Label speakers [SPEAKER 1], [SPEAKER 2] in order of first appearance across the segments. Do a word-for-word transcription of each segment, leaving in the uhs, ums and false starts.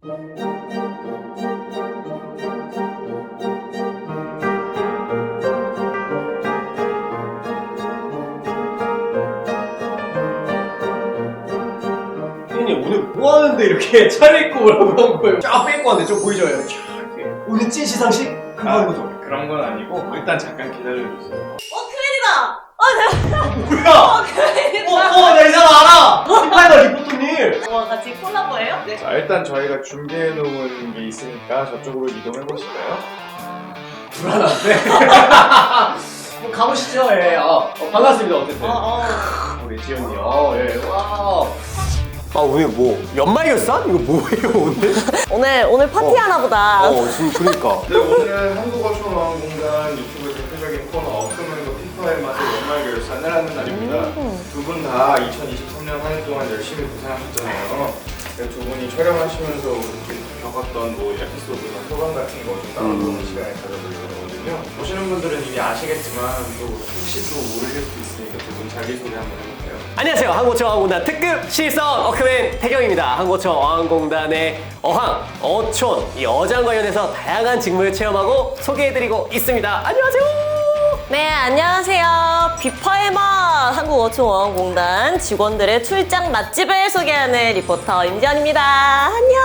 [SPEAKER 1] 피디님 오늘 뭐 하는데 이렇게 차려입고 오라고 한 거예요? 쫙 빼고 왔는데 좀 보이죠? 이렇게 오늘 찐 시상식? 그거 하는 거죠?
[SPEAKER 2] 그런 건 아니고 일단 잠깐 기다려주세요.
[SPEAKER 3] 어, 큰일이다! 어,
[SPEAKER 1] 뭐야?
[SPEAKER 3] 어,
[SPEAKER 1] 어,
[SPEAKER 3] 큰일이다!
[SPEAKER 1] 어, 나 이 사람 알아! 피파이더 리포터님!
[SPEAKER 3] 와, 같이 콜라보예요? 네.
[SPEAKER 2] 자, 일단 저희가 준비해놓은 게 있으니까 저쪽으로 이동해보실까요?
[SPEAKER 1] 불안한데? 한번 가보시죠, 예. 어, 어, 반갑습니다, 어쨌든.
[SPEAKER 3] 어, 어.
[SPEAKER 1] 우리 지연님, 어, 예, 와. 아, 오늘 뭐, 연말 결산? 이거 뭐예요, 오늘?
[SPEAKER 3] 오늘, 오늘 파티 하나 보다.
[SPEAKER 1] 어, 지금 그러니까.
[SPEAKER 2] 네, 오늘은 한국어초롱공단 유튜브 대표적인 코너 어크맨과 피파의 맛의 연말 결산을 하는 날입니다. 두 분 다 이천이십삼 년 한 해 동안 열심히 고생하셨잖아요. 네, 두 분이 촬영하시면서 이렇게 겪었던 뭐 에피소드나 소감 같은 거 좀 나눠보는
[SPEAKER 1] 음.
[SPEAKER 2] 시간을 가져보려고 하거든요. 보시는 분들은 이미 아시겠지만 또 혹시 또 모르실 수도 있으니까 두 분 자기소개 한번 해볼까요?
[SPEAKER 1] 안녕하세요. 한국어초 어항공단 특급 시선 어크맨 태경입니다. 한국어초 어항공단의 어항, 어촌, 이 어장 관련해서 다양한 직무를 체험하고 소개해드리고 있습니다. 안녕하세요.
[SPEAKER 3] 네, 안녕하세요. 비파의 맛 한국어촌어항공단 직원들의 출장 맛집을 소개하는 리포터 임지연입니다. 안녕.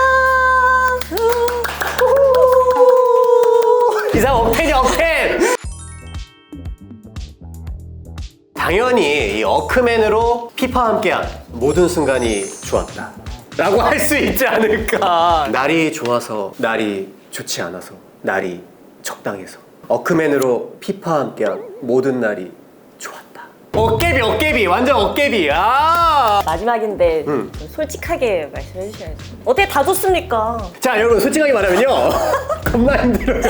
[SPEAKER 1] 이상 억텐이 억텐! 당연히 이 어크맨으로 피파와 함께한 모든 순간이 좋았다 라고 할 수 있지 않을까. 날이 좋아서, 날이 좋지 않아서, 날이 적당해서 어크맨으로 피파와 함께한 모든 날이 좋았다. 어깨비 어깨비 완전 어깨비. 아!
[SPEAKER 3] 마지막인데
[SPEAKER 1] 음.
[SPEAKER 3] 좀 솔직하게 말씀해 주셔야죠. 어떻게 다 좋습니까?
[SPEAKER 1] 자 여러분 솔직하게 말하면요 겁나 힘들어요.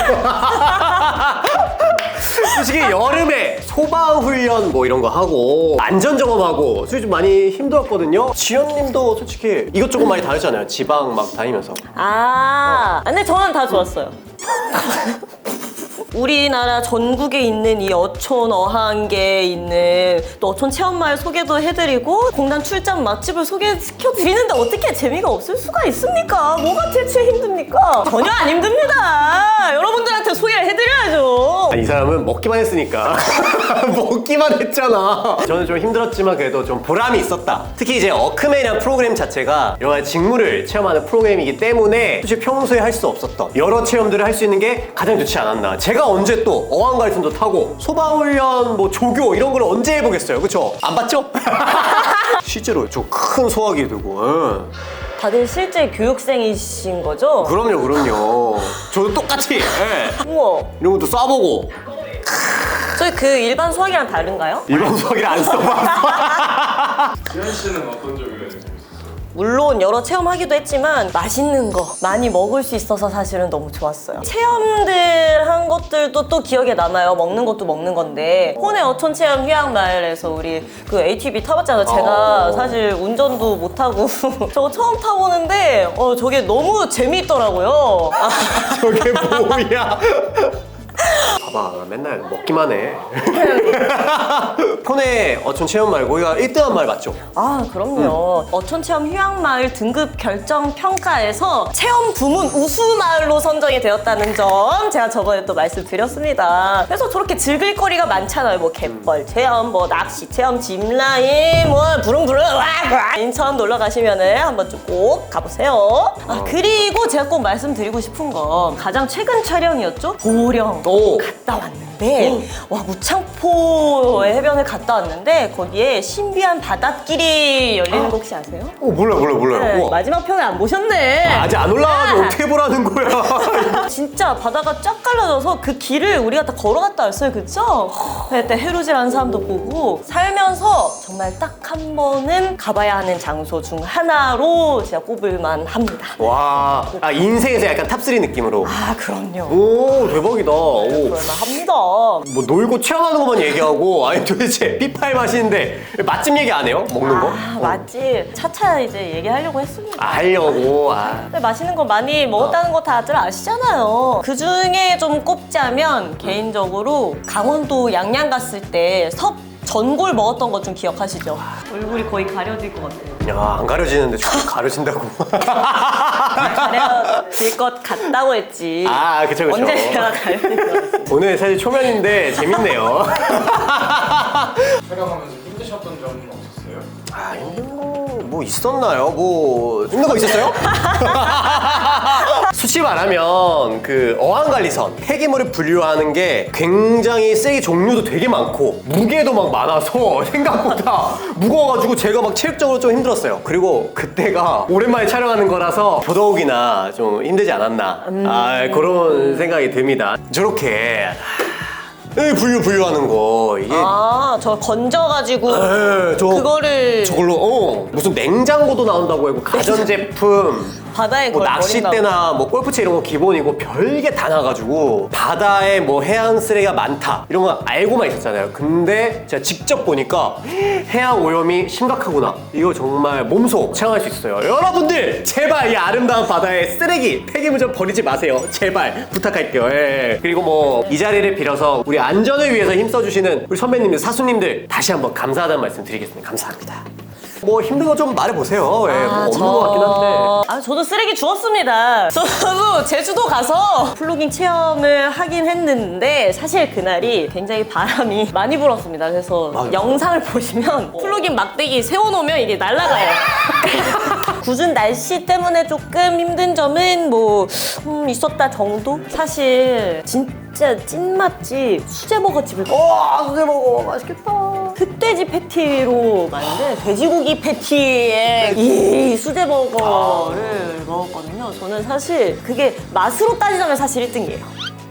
[SPEAKER 1] 솔직히 여름에 소방훈련 뭐 이런 거 하고 안전점검하고 솔직히 좀 많이 힘들었거든요. 지연님도 솔직히 이것저것 많이 다녔잖아요. 지방 막 다니면서.
[SPEAKER 3] 아, 근데 저는 다 좋았어요. 우리나라 전국에 있는 이 어촌 어항계에 있는 또 어촌 체험마을 소개도 해드리고 공단 출장 맛집을 소개시켜드리는데 어떻게 재미가 없을 수가 있습니까? 뭐가 대체 힘듭니까? 전혀 안 힘듭니다. 여러분들한테 소개를 해드려야죠.
[SPEAKER 1] 아, 이 사람은 먹기만 했으니까. 먹기만 했잖아. 저는 좀 힘들었지만 그래도 좀 보람이 있었다. 특히 이제 어크맨이라는 프로그램 자체가 여러 가지 직무를 체험하는 프로그램이기 때문에 솔직히 평소에 할 수 없었던 여러 체험들을 할 수 있는 게 가장 좋지 않았나. 제가 언제 또 어항갈등도 타고 소방훈련 뭐 조교 이런 걸 언제 해보겠어요. 그쵸? 안 봤죠? 실제로 좀 큰 소화기 들고. 응.
[SPEAKER 3] 다들 실제 교육생이신 거죠?
[SPEAKER 1] 그럼요 그럼요. 저도 똑같이 예.
[SPEAKER 3] 우와.
[SPEAKER 1] 이런 것도 쏴보고.
[SPEAKER 3] 저희 그 일반 수학이랑 다른가요?
[SPEAKER 1] 일반 소화기를 안 써봤어.
[SPEAKER 2] 지현 씨는 어떤 점이 가장 재밌었어요?
[SPEAKER 3] 물론 여러 체험하기도 했지만 맛있는 거 많이 먹을 수 있어서 사실은 너무 좋았어요. 체험들 한 것들도 또 기억에 남아요. 먹는 것도 먹는 건데 혼의 어촌 체험 휴양마을에서 우리 그 에이티브이 타봤잖아요. 제가
[SPEAKER 1] 어.
[SPEAKER 3] 사실 운전도 못하고 저거 처음 타보는데 어 저게 너무 재미있더라고요. 아,
[SPEAKER 1] 저게 뭐야? 봐봐 맨날 먹기만 해. 폰에 어촌 체험 말고 우리가 일 등한 말 맞죠?
[SPEAKER 3] 아 그럼요. 어촌 체험 휴양마을 등급 결정 평가에서 체험 부문 우수마을로 선정이 되었다는 점 제가 저번에 또 말씀드렸습니다. 그래서 저렇게 즐길 거리가 많잖아요. 뭐 갯벌 체험, 뭐 낚시 체험, 짚라인, 뭐 부릉부릉 와, 와. 인천 놀러 가시면은 한번 좀 꼭 가보세요. 아 그리고 제가 꼭 말씀드리고 싶은 건 가장 최근 촬영이었죠. 보령
[SPEAKER 1] 오.
[SPEAKER 3] 갔다 왔는데 와 무창포 해변을 갔다 왔는데 거기에 신비한 바닷길이 열리는 거 혹시 아세요?
[SPEAKER 1] 어 몰라 몰라 몰라.
[SPEAKER 3] 네,
[SPEAKER 1] 우와.
[SPEAKER 3] 마지막 편을 안 보셨네.
[SPEAKER 1] 아, 아직 안 올라가서
[SPEAKER 3] 아.
[SPEAKER 1] 어떻게 보라는 거야?
[SPEAKER 3] 진짜 바다가 쫙 갈라져서 그 길을 우리가 다 걸어갔다 왔어요. 그쵸? 그때 해루질하는 사람도 보고 살면서 정말 딱 한 번은 가봐야 하는 장소 중 하나로 제가 꼽을만 합니다.
[SPEAKER 1] 와, 아 인생에서 약간 탑쓰리 느낌으로.
[SPEAKER 3] 아 그럼요.
[SPEAKER 1] 오 대박이다. 오.
[SPEAKER 3] 그럴만 합니다.
[SPEAKER 1] 뭐 놀고 체험하는 것만 얘기하고 아니 도대체 피파의 맛인데 맛집 얘기 안 해요? 먹는 거?
[SPEAKER 3] 아 맛집 차차 이제 얘기하려고 했습니다.
[SPEAKER 1] 아, 하려고. 아.
[SPEAKER 3] 근데 맛있는 거 많이 먹었다는 거 다들 아시잖아요. 그 중에 좀 꼽자면 개인적으로 강원도 양양 갔을 때 섭 전골 먹었던 거 좀 기억하시죠? 얼굴이 거의 가려질 것 같아요.
[SPEAKER 1] 야, 안 가려지는데 저기 가려진다고.
[SPEAKER 3] 가려질 것 같다고 했지.
[SPEAKER 1] 아, 그쵸, 그쵸.
[SPEAKER 3] 언제 제가 가려질 것 같습니다.
[SPEAKER 1] 오늘 사실 초면인데 재밌네요.
[SPEAKER 2] 촬영하면서 힘드셨던 점은 없었어요?
[SPEAKER 1] 아, 힘든 거 뭐 있었나요? 뭐 힘든 거 있었어요? 수치 말하면 그 어항관리선 폐기물을 분류하는 게 굉장히 쓰레기 종류도 되게 많고 무게도 막 많아서 생각보다 무거워가지고 제가 막 체력적으로 좀 힘들었어요. 그리고 그때가 오랜만에 촬영하는 거라서 더더욱이나 좀 힘들지 않았나 아, 그런 생각이 듭니다. 저렇게 이 분류 분류하는 거 이게
[SPEAKER 3] 아, 저 건져가지고
[SPEAKER 1] 에, 저
[SPEAKER 3] 그거를
[SPEAKER 1] 저걸로 어 무슨 냉장고도 나온다고 하고 가전제품
[SPEAKER 3] 바다에
[SPEAKER 1] 뭐
[SPEAKER 3] 그걸
[SPEAKER 1] 낚싯대나 뭐 골프채 이런 거 기본이고 별게 다 나가지고 바다에 뭐 해양 쓰레기가 많다 이런 거 알고만 있었잖아요. 근데 제가 직접 보니까 해양 오염이 심각하구나. 이거 정말 몸소 체험할 수 있어요. 여러분들 제발 이 아름다운 바다에 쓰레기 폐기물 좀 버리지 마세요. 제발 부탁할게요. 예. 그리고 뭐 이 자리를 빌어서 우리 안전을 위해서 힘써주시는 우리 선배님들 사수님들 다시 한번 감사하다는 말씀 드리겠습니다. 감사합니다. 뭐 힘든 거 좀 말해보세요. 예, 뭐 없는 것 같긴 한데.
[SPEAKER 3] 아, 저도 쓰레기 주웠습니다. 저도 제주도 가서 플로깅 체험을 하긴 했는데 사실 그날이 굉장히 바람이 많이 불었습니다. 그래서
[SPEAKER 1] 맞아요.
[SPEAKER 3] 영상을 보시면 플로깅 막대기 세워놓으면 이게 날아가요. 굳은 날씨 때문에 조금 힘든 점은 뭐 음, 있었다 정도? 사실 진짜 찐맛집 수제버거집을
[SPEAKER 1] 와, 수제버거 맛있겠다.
[SPEAKER 3] 흑돼지 패티로 만든 돼지고기 패티에 이 수제버거를 먹었거든요. 저는 사실 그게 맛으로 따지자면 사실 일 등이에요.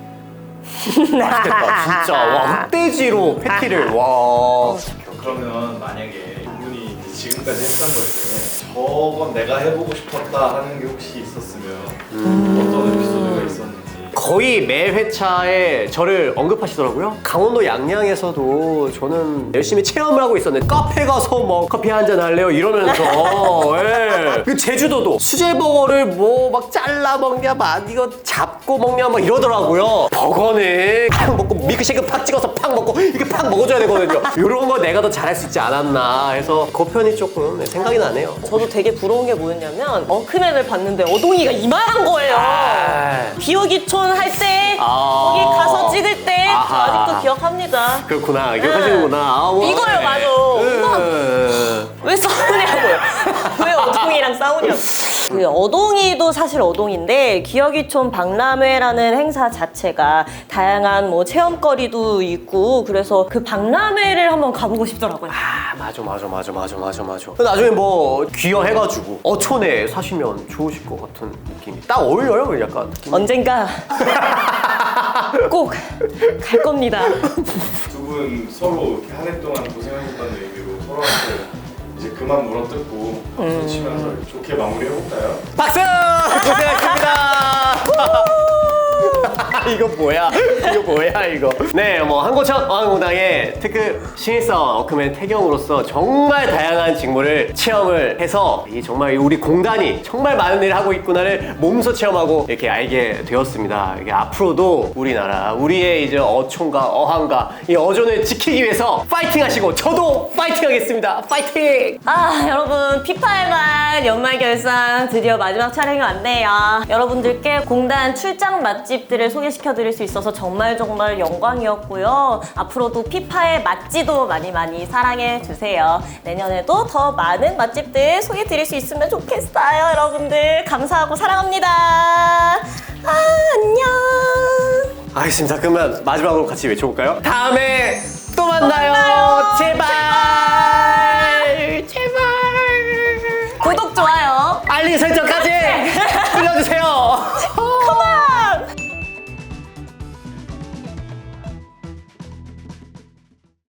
[SPEAKER 1] 맛있겠다, 진짜. 와, 흑돼지로 패티를. 와.
[SPEAKER 2] 그러면 만약에 분이 지금까지 했던 것 중에 저건 내가 해보고 싶었다 하는 게 혹시 있었으면 어떤 에피소드가 있었는지.
[SPEAKER 1] 거의 매 회차에 저를 언급하시더라고요. 강원도 양양에서도 저는 열심히 체험을 하고 있었는데 카페 가서 뭐 커피 한잔 할래요 이러면서 예. 그 제주도도 수제버거를 뭐 막 잘라 먹냐 막 이거 잡고 먹냐 막 이러더라고요. 버거는 팍 먹고 밀크쉐이크 팍 찍어서 팍 먹고 이렇게 팍 먹어줘야 되거든요. 이런 거 내가 더 잘할 수 있지 않았나 해서 그 편이 조금 생각이 나네요.
[SPEAKER 3] 저도 되게 부러운 게 뭐였냐면 어크맨을 봤는데 어동이가 이만한 거예요.
[SPEAKER 1] 아.
[SPEAKER 3] 기어기촌 할 때
[SPEAKER 1] 아.
[SPEAKER 3] 거기 가서 찍을 때 저
[SPEAKER 1] 아하.
[SPEAKER 3] 아직도 기억합니다.
[SPEAKER 1] 그렇구나. 기억하시는구나. 아, 뭐.
[SPEAKER 3] 이거요, 맞아.
[SPEAKER 1] 음.
[SPEAKER 3] 왜 싸우냐고요? 왜 어동이랑 싸우냐고. 그 어동이도 사실 어동인데 기어기촌 박람회라는 행사 자체가 다양한 뭐 체험거리도 있고 그래서 그 박람회를 한번 가보고 싶더라고요.
[SPEAKER 1] 아, 맞아, 맞아, 맞아, 맞아, 맞아, 맞아. 나중에 뭐 귀여해가지고 어촌에 사시면 좋으실 것 같은 느낌이 딱 어울려요, 약간. 느낌이.
[SPEAKER 3] 언젠가 꼭 갈 겁니다.
[SPEAKER 2] 두 분 서로 이렇게 한 해 동안 고생하셨다는 의미로 서로한테 이제 그만 물어뜯고 박수 치면서 좋게 마무리해볼까요?
[SPEAKER 1] 박수! 고생하셨습니다. 이거 뭐야? 이거 뭐야 이거? 네, 뭐 한고천 어항공당의 특급 신입사원 어크맨 태경으로서 정말 다양한 직무를 체험을 해서 이 정말 우리 공단이 정말 많은 일을 하고 있구나를 몸소 체험하고 이렇게 알게 되었습니다. 이게 앞으로도 우리나라 우리의 이제 어촌과 어항과 이 어존을 지키기 위해서 파이팅하시고 저도 파이팅하겠습니다. 파이팅!
[SPEAKER 3] 아, 여러분 피파일만 연말 결산 드디어 마지막 촬영이 왔네요. 여러분들께 공단 출장 맛집들을 소개시켜드릴 수 있어서 정말 정말 영광이었고요. 앞으로도 피파의 맛지도 많이 많이 사랑해주세요. 내년에도 더 많은 맛집들 소개해드릴 수 있으면 좋겠어요. 여러분들 감사하고 사랑합니다. 아, 안녕.
[SPEAKER 1] 알겠습니다. 그러면 마지막으로 같이 외쳐볼까요? 다음에 또 만나요.
[SPEAKER 3] 만나요.
[SPEAKER 1] 제발. 제발.
[SPEAKER 3] 구독, 좋아요.
[SPEAKER 1] 알림 설정까지 눌러주세요.